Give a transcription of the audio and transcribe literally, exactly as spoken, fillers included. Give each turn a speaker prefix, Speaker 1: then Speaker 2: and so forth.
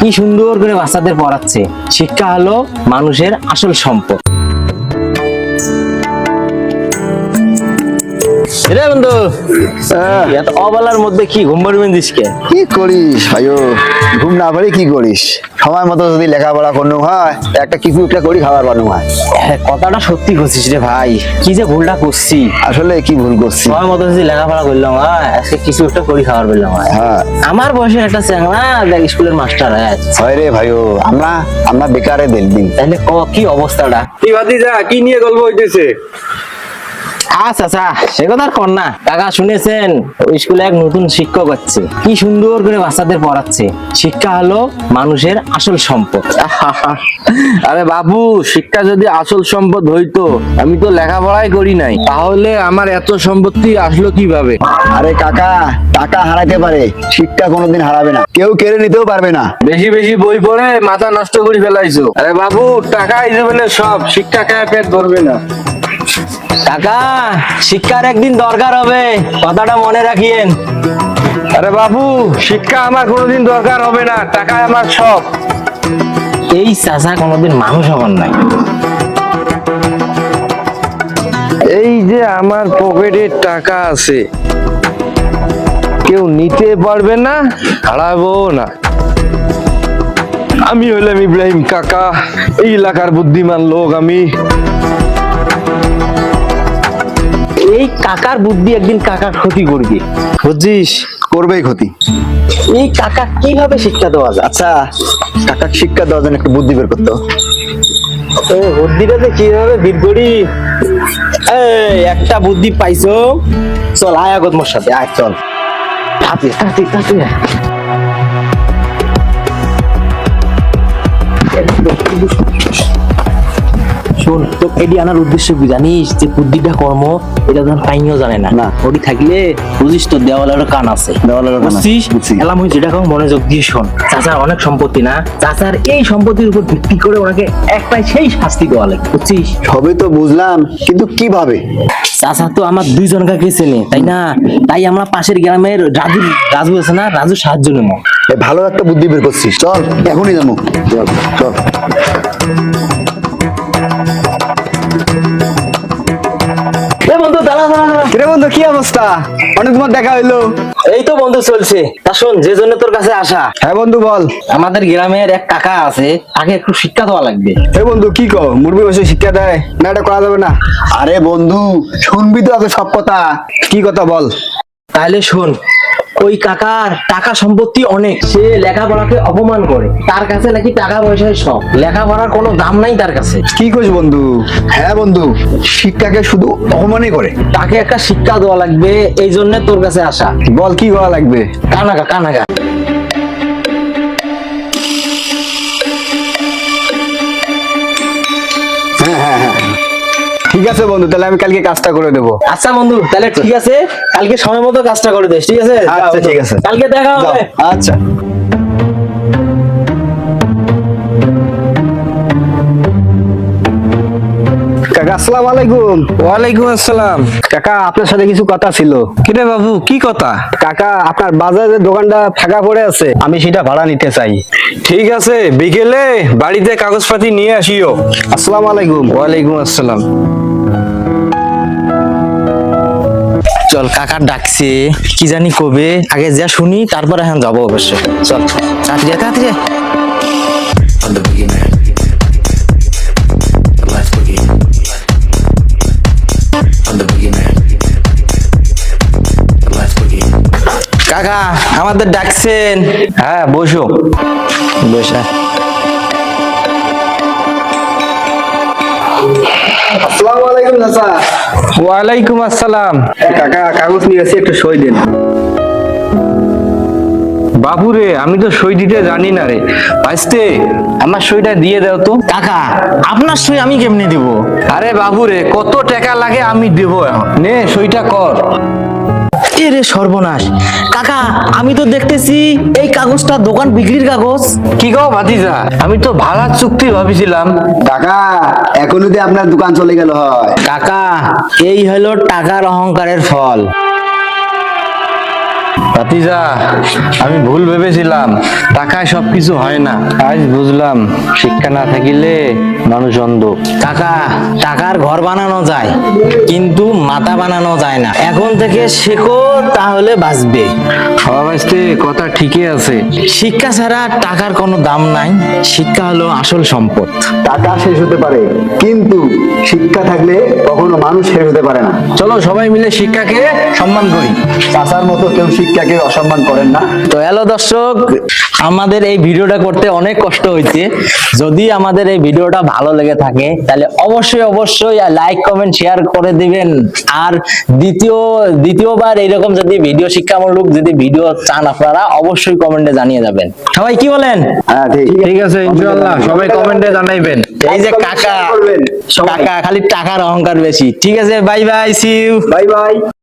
Speaker 1: কি সুন্দর করে বাচ্চাদের পড়াচ্ছে। শিক্ষা হলো মানুষের আসল সম্পদ। রে বন্ধু, এত অবলার মধ্যে কি ঘুম পাড়বেন দিসকে?
Speaker 2: কি করিস ভাইও, ঘুম না পারি কি করিস? সময় মতো যদি লেখাপড়া করতে হয়, একটা কিছু একটা করি খাবার বানানো হয়।
Speaker 1: হ্যাঁ, কথাটা সত্যি করছিস রে ভাই। কি যে ভুলটা করছি,
Speaker 2: আসলে কি ভুল করছি?
Speaker 1: সময় মতো যদি লেখাপড়া করলাম হয়, আজকে কিছু একটা করি খাবার পেলাম হয়।
Speaker 2: হ্যাঁ,
Speaker 1: আমার বয়সে একটা চ্যাংড়া দেখ স্কুলের মাস্টার হয়।
Speaker 2: হয় রে ভাইও, আমরা আমরা বেকারে দিন।
Speaker 1: তাহলে ক কি অবস্থাটা?
Speaker 3: কি ভাতিজা, কি নিয়ে গল্প হইতেছে?
Speaker 1: আচ্ছা আচ্ছা, সে কথা আর কর না। কাকা শুনেছেন ওই স্কুলে এক নতুন শিক্ষক হচ্ছে, কি সুন্দর করে বাচ্চাদের পড়াচ্ছে। শিক্ষা হলো মানুষের আসল সম্পদ।
Speaker 3: আরে বাবু, শিক্ষা যদি আসল সম্পদ হইতো, আমি তো লেখাপড়াই করি নাই, তাহলে আমার এত সম্পত্তি আসলো কিভাবে?
Speaker 2: আরে কাকা, টাকা হারাতে পারে, শিক্ষা কোনোদিন হারাবে না, কেউ কেড়ে নিতেও পারবে না।
Speaker 3: বেশি বেশি বই পড়ে মাথা নষ্ট করে ফেলাইছো। আরে বাবু, টাকা জীবনে সব, শিক্ষা খায় পেট ধরবে না।
Speaker 1: কাকা, শিক্ষার একদিন দরকার হবে, কথাটা মনে রাখিয়েন।
Speaker 3: আরে বাবু, শিক্ষা আমার কোনোদিন দরকার হবে না, টাকা আমার সব।
Speaker 1: এই চাচা কোনোদিন মানুষ হবার নাই।
Speaker 3: এই যে আমার পকেটে টাকা আছে, কেউ নিতে পারবে না, হারাবো না। আমি হইলাম ইব্রাহিম কাকা, এই এলাকার বুদ্ধিমান লোক আমি।
Speaker 1: এই কাকার বুদ্ধি একদিন কাকার ক্ষতি করবে, বুঝছিস?
Speaker 2: করবেই ক্ষতি।
Speaker 1: এই কাকা কিভাবে শিক্ষা দেওয়া যায়?
Speaker 2: আচ্ছা, কাকা শিক্ষা দেওয়ার জন্য একটা বুদ্ধি বের করতো।
Speaker 1: ও বুদ্ধিটা তো কিভাবে বের করি? এই একটা বুদ্ধি পাইছো, চল আয় আগত মোর সাথে, আয় চল। তাতে তাতে তাতে শোন, তো এডি আনার উদ্দেশ্য কি জানিস? যে বুদ্ধিটা কর্ম, এটা যখন পাইনিও জানে না
Speaker 2: না।
Speaker 1: ওটি থাকলে বুঝিস তো দেওয়ালের কান আছে।
Speaker 2: দেওয়ালেরও কান আছে,
Speaker 1: বুঝছিস?
Speaker 2: বুঝছি।
Speaker 1: এলাম হই যেটা কাউ মনোযোগ দিয়ে শোন। চাচার অনেক সম্পত্তি না, চাচার এই সম্পত্তির উপর ভিত্তি করে ওনাকে একটাই সেই শাস্তি দেওয়া লাগে, বুঝছিস?
Speaker 2: সবই তো বুঝলাম, কিন্তু কিভাবে?
Speaker 1: চাচা তো আমার দুইজন কাকে চেনে, তাই না? তাই আমরা পাশের গ্রামের রাজু রাজু আছে না, রাজু সাহায্য নেব।
Speaker 2: এ ভালো একটা বুদ্ধি বের করছিস, চল এখনই যাবো। চল চল।
Speaker 1: এ বন্ধু, দাঁড়া দাঁড়া দাঁড়া।
Speaker 2: কিরে বন্ধু, কি অবস্থা? অনেক তোমার দেখা হইলো।
Speaker 1: এই তো বন্ধু চলছে। তা শোন, যে জন্য তোর কাছে আসা,
Speaker 2: হ্যাঁ বন্ধু বল।
Speaker 1: আমাদের গ্রামের এক কাকা আছে, তাকে একটু শিক্ষা দেওয়া লাগবে।
Speaker 2: হে বন্ধু, কি কও? মুরবি বসে শিক্ষা দেয় না, এটা করা যাবে না। আরে বন্ধু, শুনবি তো আগে সব কথা। কি কথা বল?
Speaker 1: তাহলে শোন, ওই কাকার টাকা সম্পত্তি অনেক, সে লেখাপড়াকে অপমান করে। তার কাছে নাকি টাকা পয়সায় সব, লেখাপড়ার কোনো দাম নাই তার কাছে।
Speaker 2: কি কইস বন্ধু? হ্যাঁ বন্ধু, শিক্ষাকে শুধু অপমানই করে।
Speaker 1: তাকে একটা শিক্ষা দেওয়া লাগবে, এই জন্য তোর কাছে আসা।
Speaker 2: বল কি করা লাগবে?
Speaker 1: কানাগা কানাগা
Speaker 2: হ্যাঁ হ্যাঁ হ্যাঁ, ঠিক আছে বন্ধু, তাহলে আমি কালকে কাজটা করে দেবো।
Speaker 1: আচ্ছা বন্ধু, তাহলে ঠিক আছে, কালকে সময় মতো কাজটা করে দিস, ঠিক আছে?
Speaker 2: আচ্ছা ঠিক আছে,
Speaker 1: কালকে দেখা
Speaker 2: যাও।
Speaker 1: হবে।
Speaker 2: আচ্ছা। কাকা আসসালামু আলাইকুম।
Speaker 3: ওয়ালাইকুম আসসালাম।
Speaker 2: কাকা, আপনার সাথে কিছু কথা ছিল।
Speaker 3: কিরে বাবু, কি কথা?
Speaker 2: কাকা, আপনার বাজারের দোকানটা ফাঁকা পড়ে আছে, আমি সেটা ভাড়া নিতে চাই।
Speaker 3: ঠিক আছে, বিকেলে বাড়িতে কাগজপাতি নিয়ে আসিও।
Speaker 2: আসসালামু আলাইকুম।
Speaker 3: ওয়ালাইকুম আসসালাম।
Speaker 1: চল, কাকার ডাকছে, কি জানি কবে, আগে যা শুনি, তারপর এখন যাবো অবশ্য। চল তাড়াতাড়ি আয়, তাড়াতাড়ি আয়। কাকা আমাদের ডাকছেন।
Speaker 3: হ্যাঁ, বসো।
Speaker 1: বসা।
Speaker 2: আসসালামু আলাইকুম চাচা।
Speaker 3: ওয়ালাইকুম আসসালাম।
Speaker 2: কাকা, কাগজ নিয়ে এসে একটু সই দিন।
Speaker 3: বাবুরে, আমি তো সই দিতে জানি না রে। ভাইস্তে, আমার সইটা দিয়ে দাও তো।
Speaker 1: কাকা, আপনার সই আমি কেমনে দিব?
Speaker 3: আরে বাবুরে, কত টাকা লাগে আমি দেবো এখন। নে সইটা কর।
Speaker 1: এ রে সর্বনাশ! কাকা, আমি তো দেখতেছি এই কাগজটা দোকান বিক্রির কাগজ।
Speaker 3: কি গো ভাতিজা, আমি তো ভাড়ার চুক্তি ভাবিছিলাম।
Speaker 2: কাকা, এখন যদি আপনার দোকান চলে গেল হয়।
Speaker 1: কাকা, এই হলো টাকার অহংকারের ফল।
Speaker 3: ভাতিজা, আমি ভুল ভেবেছিলাম টাকায় সবকিছু হয় না। আজ বুঝলাম শিক্ষা না থাকিলে মানুষ অন্ধ।
Speaker 1: কাকা, টাকার ঘর বানানো যায় কিন্তু মাথা বানানো যায় না। এখন থেকে শেখো, তাহলে বাঁচবে।
Speaker 3: সবাইতে কথা ঠিকই আছে।
Speaker 1: শিক্ষা ছাড়া টাকার কোনো দাম নাই। শিক্ষা হলো আসল সম্পদ।
Speaker 2: টাকা শেষ হতে পারে, কিন্তু শিক্ষা থাকলে কখনো মানুষ শেষ হতে পারে না।
Speaker 3: চলো সবাই মিলে শিক্ষাকে সম্মান করি।
Speaker 2: চাচার মতো কেউ শিক্ষাকে অসম্মান করেন না।
Speaker 1: তো হ্যালো দর্শক, আমাদের এই ভিডিওটা করতে অনেক কষ্ট হয়েছে। যদি আমাদের এই ভিডিওটা ভালো লেগে থাকে তাহলে অবশ্যই অবশ্যই লাইক কমেন্ট শেয়ার করে দিবেন। আর দ্বিতীয় দ্বিতীয়বার এইরকম যদি ভিডিও শিক্ষামূলক যদি ভিডিও চান আপনারা অবশ্যই কমেন্টে জানিয়ে যাবেন। সবাই কি বলেন?
Speaker 2: হ্যাঁ ঠিক
Speaker 3: ঠিক আছে, ইনশাআল্লাহ সবাই কমেন্টে জানাইবেন।
Speaker 1: এই যে কাকা,
Speaker 2: করবেন সবাই।
Speaker 1: কাকা খালি টাকার অহংকার বেশি। ঠিক আছে, bye bye, see you.
Speaker 2: Bye by.